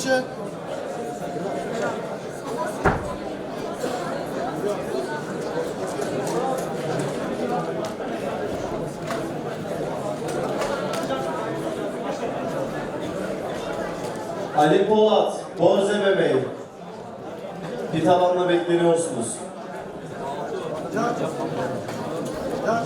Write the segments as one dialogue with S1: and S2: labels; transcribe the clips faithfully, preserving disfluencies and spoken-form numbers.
S1: dışı.
S2: Ali Polat, Borze Bebeği. Bir tavanla bekleniyorsunuz.
S1: Can. Can.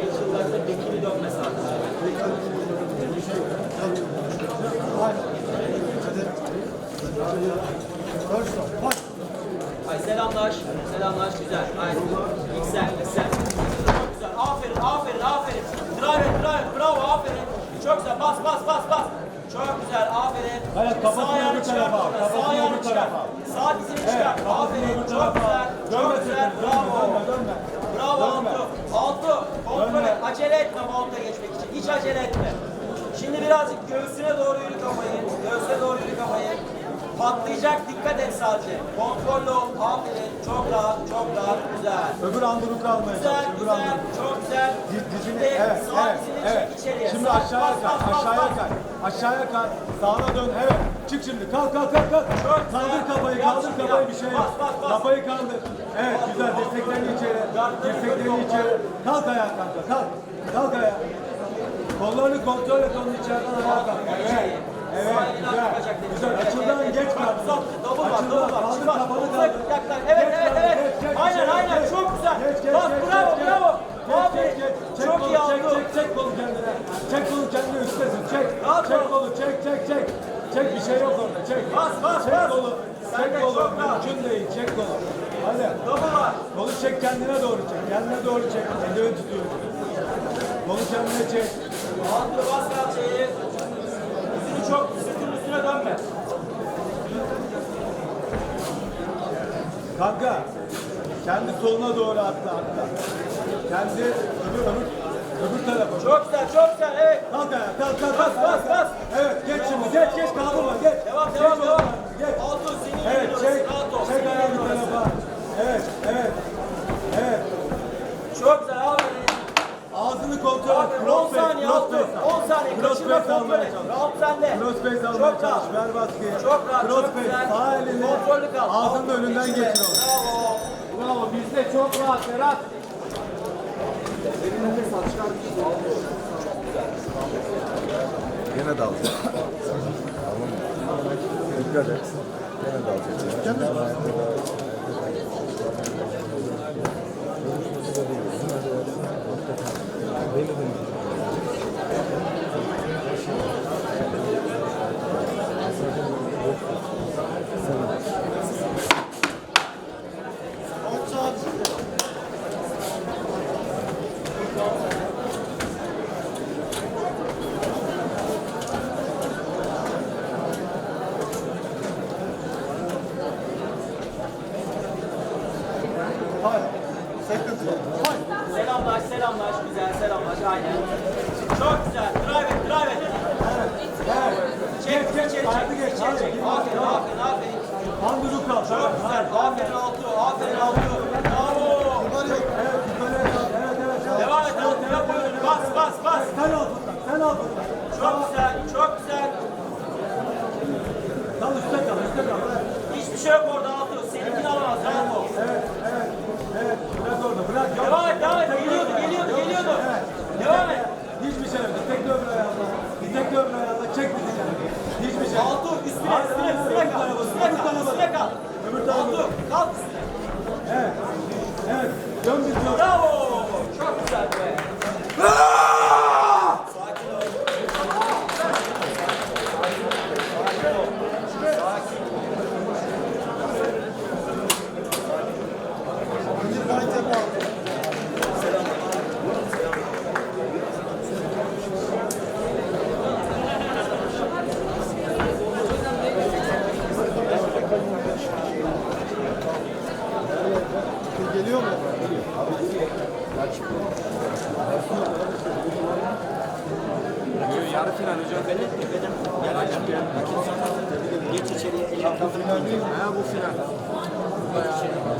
S3: Ay selamlaş, selamlaş güzel. Aynen. Yüksel, yüksel. Çok güzel. Aferin, aferin, aferin. Drive, drive, bravo, aferin. Çok güzel. Bas, bas, bas, bas. Çok güzel, aferin.
S4: Evet, kafasını
S3: Sağ ayağını
S4: öbür
S3: çıkar
S4: tarafa,
S3: orada,
S4: kafasını
S3: Sağ ayağını
S4: öbür
S3: çıkar.
S4: tarafa.
S3: Sağ dizini çıkar.
S4: Evet, kafasını
S3: Aferin,
S4: öbür
S3: çok
S4: tarafa.
S3: güzel. Çok
S4: Dönme
S3: güzel,
S4: sakın,
S3: bravo.
S4: dönme, dönme, dönme.
S3: Bravo
S4: Dönme.
S3: Altı. Altı. Kontrol
S4: Dönme.
S3: et. Acele etme monta geçmek için. Hiç acele etme. Şimdi birazcık göğsüne doğru yürü kafayı. Göğsüne doğru yürü kafayı. Patlayacak, dikkat et sadece. Kontrollü ol, aferin. Çok rahat, çok rahat, güzel.
S4: Öbür anduruk almaya
S3: Güzel,
S4: çalış. Öbür
S3: güzel,
S4: anduruk.
S3: çok güzel.
S4: Diz, dizini,
S3: Şimdi
S4: evet,
S3: sağ
S4: evet,
S3: dizini
S4: evet.
S3: çek içeriye.
S4: Şimdi
S3: Sağ-
S4: aşağıya
S3: bas,
S4: kay,
S3: bas, bas,
S4: aşağıya
S3: bas.
S4: kay. Aşağıya kay, sağına dön, evet. Çık şimdi, kalk, kalk, kalk, kalk.
S3: Çok
S4: Kaldır
S3: güzel.
S4: kafayı,
S3: Yap
S4: kaldır
S3: şimdi,
S4: kafayı,
S3: yap.
S4: bir şey
S3: Bas,
S4: yap.
S3: bas, bas.
S4: Kafayı kaldır. Evet, güzel, dirseklerini içeri. Dirseklerini içeri. Kalk ayağa kanka, kalk. Kalk ayağa. Kollarını kontrol et, onun içeriden ayağa kalk. Evet. Evet, güzel. Güzel, açıldan geç kaldır.
S3: Double var,
S4: Açıldan,
S3: double var.
S4: kaldır
S3: Şimdi bak,
S4: kafanı
S3: uzak,
S4: kaldır.
S3: yaklaş. Evet,
S4: Geç
S3: evet,
S4: kaldır,
S3: evet.
S4: geç, geç,
S3: Aynen,
S4: geç,
S3: aynen.
S4: geç.
S3: Çok güzel.
S4: Geç, geç,
S3: Bas,
S4: geç,
S3: bravo,
S4: geç,
S3: bravo.
S4: Çek,
S3: Aferin.
S4: çek, çek, çek
S3: Çok
S4: kolu,
S3: iyi
S4: çek,
S3: oldu.
S4: çek, çek kolu kendine. Çek kolu kendine üstesin, çek.
S3: Rahat
S4: Çek
S3: ol.
S4: kolu, çek, çek, çek. Çek, bir şey yok orada, çek.
S3: Bas, bas,
S4: Çek
S3: bas.
S4: kolu,
S3: Sen
S4: çek
S3: de
S4: kolu,
S3: çok rahat.
S4: mümkün değil, çek kolu. Hadi.
S3: Double var.
S4: Kolu çek, kendine doğru çek, kendine doğru çek. Elini tutuyor. Kolu kendine çek.
S3: Altı bas kalçayı. Yüzünü çok, sırtının üstüne dönme.
S4: Kanka, kendi soluna doğru atla, atla. Kendi öbür, öbür, öbür tarafa.
S3: Çok güzel, çok güzel. Evet.
S4: Kalk ayağa, kalk, kalk,
S3: Bas,
S4: kalk.
S3: bas, bas.
S4: Evet, geç şimdi, geç, geç, kaldırma, geç.
S3: Devam,
S4: Geç
S3: devam,
S4: oğlum,
S3: devam.
S4: Geç.
S3: Altı, senin
S4: Evet,
S3: yerin
S4: çek,
S3: orası. Rahat ol.
S4: çek
S3: Senin
S4: ayağı
S3: yerin
S4: bir
S3: orası.
S4: tarafa. Evet, evet, evet.
S3: Çok güzel, aferin.
S4: Ağzını kontrol et.
S3: Aferin, on
S4: Cross face,
S3: saniye,
S4: cross
S3: altı.
S4: face.
S3: on saniye.
S4: Cross
S3: Kaçırma,
S4: face
S3: kontrol
S4: almaya
S3: et.
S4: çalış.
S3: Rahat sende.
S4: Cross face almaya
S3: Çok
S4: çalış.
S3: rahat.
S4: Ver baskıyı.
S3: Çok rahat,
S4: Cross
S3: çok
S4: face,
S3: güzel.
S4: sağ elini
S3: Kontrollü kal.
S4: ağzının önünden
S3: İçine.
S4: geçir onu.
S3: Bravo.
S4: Bravo, bizde çok rahat Ferhat.
S5: Gene dalacak. Tamam mı? Dikkat et. Gene dalacak. Beni de
S1: Hayır. Sıkıntı yok.
S3: Selamlaş, selamlaş. Güzel, selamlaş. Aynen. Çok güzel. Drive et, drive et. Çek,
S4: Geç, geç,
S3: içeri
S4: haydi
S3: çek.
S4: geç,
S3: İçeri
S4: haydi.
S3: çek. Aferin, aferin, aferin.
S4: Handuruk kal.
S3: Çok güzel. Aferin Altı. Aferin Altı. Bravo.
S1: Var yok.
S4: Evet, yukarı kal. Evet, evet, evet.
S3: Devam et Altı. Yap oyunu. Bas, bas, bas.
S4: Sen al buradan, sen al buradan.
S3: Çok güzel, çok güzel.
S4: Kal üstte kal, üstte kal.
S3: Hiçbir şey yok orada Altı. Seninkini alamaz. Rahat ol.
S4: Evet, evet, evet. Bırak orada, bırak.
S3: Devam et, devam et. Geliyordu, geliyordu, geliyordu. Devam et.
S4: Hiçbir şey yok. Ditekli öbür ayağında. Ditekli öbür ayağında. Çek bizi kendini. Hiçbir şey yok.
S3: Altı üstüne,
S4: Hayır,
S3: üstüne,
S4: hayır,
S3: üstüne
S4: öbür
S3: kal.
S4: tarafa,
S3: Üstüne
S4: öbür
S3: kal,
S4: tarafa.
S3: üstüne kal.
S4: Öbür tarafa.
S3: Altı, kalk üstüne.
S4: Evet. Evet. Dön bir dön.
S3: Bravo. Çok güzel be. Sakin ol.
S1: Bir fight yapalım. Geliyor mu?
S6: Yarı final hocam. Benim, benim. Gel hocam gel. Geç içeriye. Ha bu final.